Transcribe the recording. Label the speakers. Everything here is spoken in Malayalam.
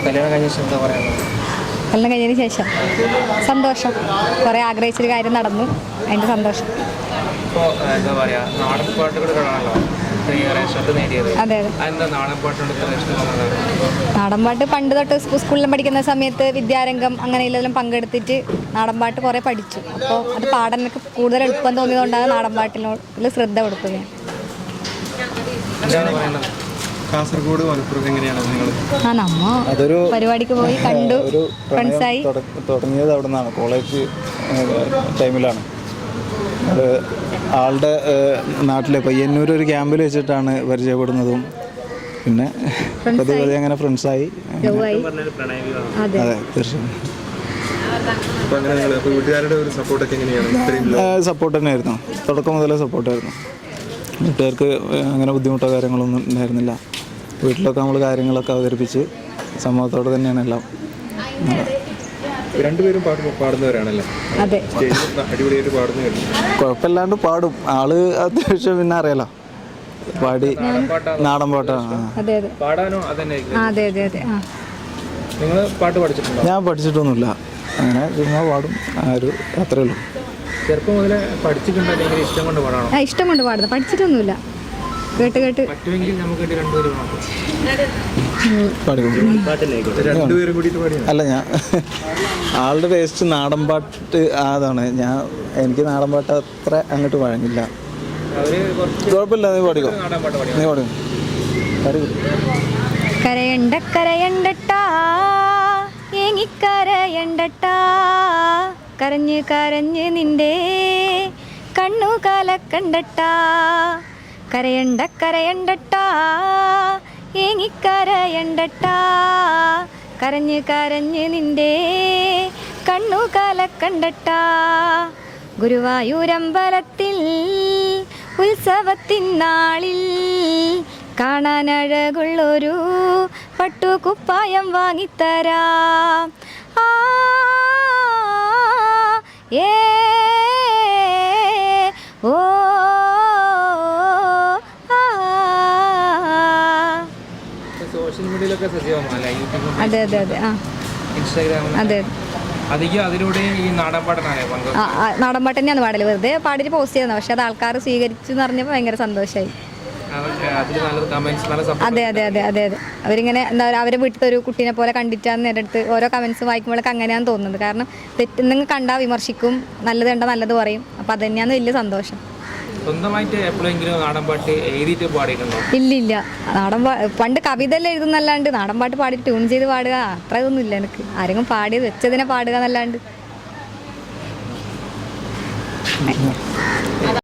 Speaker 1: കല്യാണം കഴിഞ്ഞ ശേഷം എന്താ പറയുന്നത്?
Speaker 2: കല്യാണം കഴിഞ്ഞതിന് ശേഷം സന്തോഷം. കുറേ ആഗ്രഹിച്ചൊരു കാര്യം നടന്നു, അതിൻ്റെ സന്തോഷം.
Speaker 1: ഇപ്പോൾ എന്താ പറയുക, നാടൻ പാട്ടുകളാണല്ലോ ഇത്രയേറെ ശ്രദ്ധ നേടിയത്.
Speaker 2: അതെ അതെ.
Speaker 1: അതെന്താ നാടൻ പാട്ടിനോട് ഇത്ര ഇഷ്ടം തോന്നുന്നത്?
Speaker 2: നാടൻപാട്ട് പണ്ട് തൊട്ട് സ്കൂളിലും പഠിക്കുന്ന സമയത്ത് വിദ്യാരംഗം അങ്ങനെ ഇതിലെല്ലാം പങ്കെടുത്തിട്ട് നാടൻപാട്ട് കുറേ പഠിച്ചു. അപ്പോൾ അത് പാടാനൊക്കെ കൂടുതൽ എളുപ്പം തോന്നിയതുകൊണ്ടാണ് നാടൻപാട്ടിനോട് ശ്രദ്ധ കൊടുത്തത് ഞാൻ.
Speaker 1: എന്താണ് പറയുന്നത്?
Speaker 3: കാസർഗോഡ് മലപ്പുറം എങ്ങനെയാണ് നിങ്ങൾ?
Speaker 2: നമ്മ അതൊരു പരിപാടിക്ക് പോയി കണ്ടു, ഫ്രണ്ട്സായി.
Speaker 4: തുടങ്ങിയത് അവിടെ നിന്നാണ്, കോളേജ് ടൈമിലാണ്. അത് ആളുടെ നാട്ടിലെ പയ്യന്നൂർ ഒരു ക്യാമ്പിൽ വെച്ചിട്ടാണ് പരിചയപ്പെടുന്നതും. പിന്നെ പതിയെ അങ്ങനെ ഫ്രണ്ട്സായി.
Speaker 2: അതെ
Speaker 4: തീർച്ചയായും.
Speaker 3: വീട്ടുകാരുടെ ഒരു സപ്പോർട്ടൊക്കെ എങ്ങനെയാണ്?
Speaker 4: സപ്പോർട്ട് തന്നെയായിരുന്നു, തുടക്കം മുതലേ സപ്പോർട്ടായിരുന്നു. വീട്ടുകാർക്ക് അങ്ങനെ ബുദ്ധിമുട്ടോ കാര്യങ്ങളൊന്നും ഉണ്ടായിരുന്നില്ല. വീട്ടിലൊക്കെ നമ്മൾ കാര്യങ്ങളൊക്കെ അവതരിപ്പിച്ച് സമൂഹത്തോടെ തന്നെയാണ് എല്ലാം.
Speaker 3: രണ്ടുപേരും പാടുന്നവരാണല്ലേ?
Speaker 2: അതെ,
Speaker 3: അടിപൊളിയായിട്ട് പാടുന്നു.
Speaker 4: കുഴപ്പമില്ലാണ്ട് പാടും ആള്. അത്യാവശ്യം പിന്നെ അറിയാലോ, പാടി നാടൻ പാട്ടാണ്.
Speaker 2: അതെ അതെ.
Speaker 1: പാടാനോ അതന്നെ?
Speaker 2: അതെ അതെ അതെ.
Speaker 1: നിങ്ങൾ പാട്ട് പഠിച്ചിട്ടുണ്ടോ?
Speaker 4: ഞാൻ പഠിച്ചിട്ടൊന്നുമില്ല, അങ്ങനെ ചുമ്മാ പാടും. അത്രേ ഉള്ളൂ.
Speaker 1: ചെറുപ്പം മുതലേ പഠിച്ചിട്ടുണ്ടോ അല്ലെങ്കിൽ ഇഷ്ടം കൊണ്ട് പാടാണോ?
Speaker 2: ഇഷ്ടം കൊണ്ട് പാടുന്നത്, പഠിച്ചിട്ടൊന്നുമില്ല. കേട്ട് കേട്ട്
Speaker 1: പറ്റുമെങ്കിൽ നമുക്ക് രണ്ടുപേരും
Speaker 3: രണ്ടുപേരും കൂടിയിട്ട് പാടി.
Speaker 4: അല്ല, ഞാൻ ആളുടെ ടേസ്റ്റ് നാടൻ പാട്ട് അതാണ്. എനിക്ക് നാടൻ പാട്ട് അത്ര അങ്ങോട്ട് വഴങ്ങില്ല. കുഴപ്പമില്ല, നീ പാടിക്കോ. നീ പാടിക്കോ.
Speaker 2: കരയണ്ട കരയണ്ടട്ടാ, ഏങ്ങിക്കരയണ്ടട്ടാ, കരഞ്ഞ് കരഞ്ഞ് നിന്റെ കണ്ണു കലക്കണ്ടട്ടാ. കരയണ്ട കരയണ്ടട്ടാ, ഏങ്ങിക്കരയണ്ടട്ടാ, കരഞ്ഞ് കരഞ്ഞ് നിന്റെ കണ്ണു കലക്കണ്ടട്ടാ. ഗുരുവായൂരമ്പലത്തിൽ ഉത്സവത്തിനാളിൽ കാണാനഴകുള്ളൊരു പട്ടുകുപ്പായം വാങ്ങിത്തരാം. ഏ ഓ
Speaker 1: സോഷ്യൽ മീഡിയയിലൊക്കെ സജീവമാണല്ലേ?
Speaker 2: അതെ അതെ അതെ.
Speaker 1: ഇൻസ്റ്റാഗ്രാമിൽ
Speaker 2: അതെ
Speaker 1: അധികം അതിലൂടെ ഈ നാടൻ പാട്ടാണ്
Speaker 2: നാടൻപാട്ട് തന്നെയാണ് പാടല്. വെറുതെ പാടിയിട്ട് പോസ്റ്റ് ചെയ്യുന്നത്, പക്ഷെ അത് ആൾക്കാർ സ്വീകരിച്ചു എന്ന് പറഞ്ഞപ്പോൾ ഭയങ്കര സന്തോഷമായി. അതെ അതെ അതെ അതെ അതെ. അവരിങ്ങനെ എന്താ പറയുക, അവരെ വീട്ടിലത്തെ ഒരു കുട്ടീനെ പോലെ കണ്ടിട്ടാണ് എൻ്റെ അടുത്ത് ഓരോ കമൻസ് വായിക്കുമ്പോഴൊക്കെ അങ്ങനെയാണെന്ന് തോന്നുന്നത്. കാരണം തെറ്റെന്തെങ്കിലും കണ്ടാൽ വിമർശിക്കും, നല്ലത് കണ്ടാൽ നല്ലത് പറയും. അപ്പോൾ അത് തന്നെയാണ് വലിയ സന്തോഷം.
Speaker 1: സ്വന്തമായിട്ട് എപ്പോഴെങ്കിലും നാടൻ പാട്ട് എഴുതിയിട്ട് പാടിയിട്ടുണ്ടോ?
Speaker 2: ഇല്ലില്ല. പണ്ട് കവിത എല്ലാം എഴുതുന്നല്ലാണ്ട് നാടൻ പാട്ട് പാടി ട്യൂൺ ചെയ്ത് പാടുക അത്ര ഇതൊന്നും ഇല്ല എനിക്ക്. ആരെങ്കിലും പാടിയത് വെച്ചതിനെ പാടുക എന്നല്ലാണ്ട്.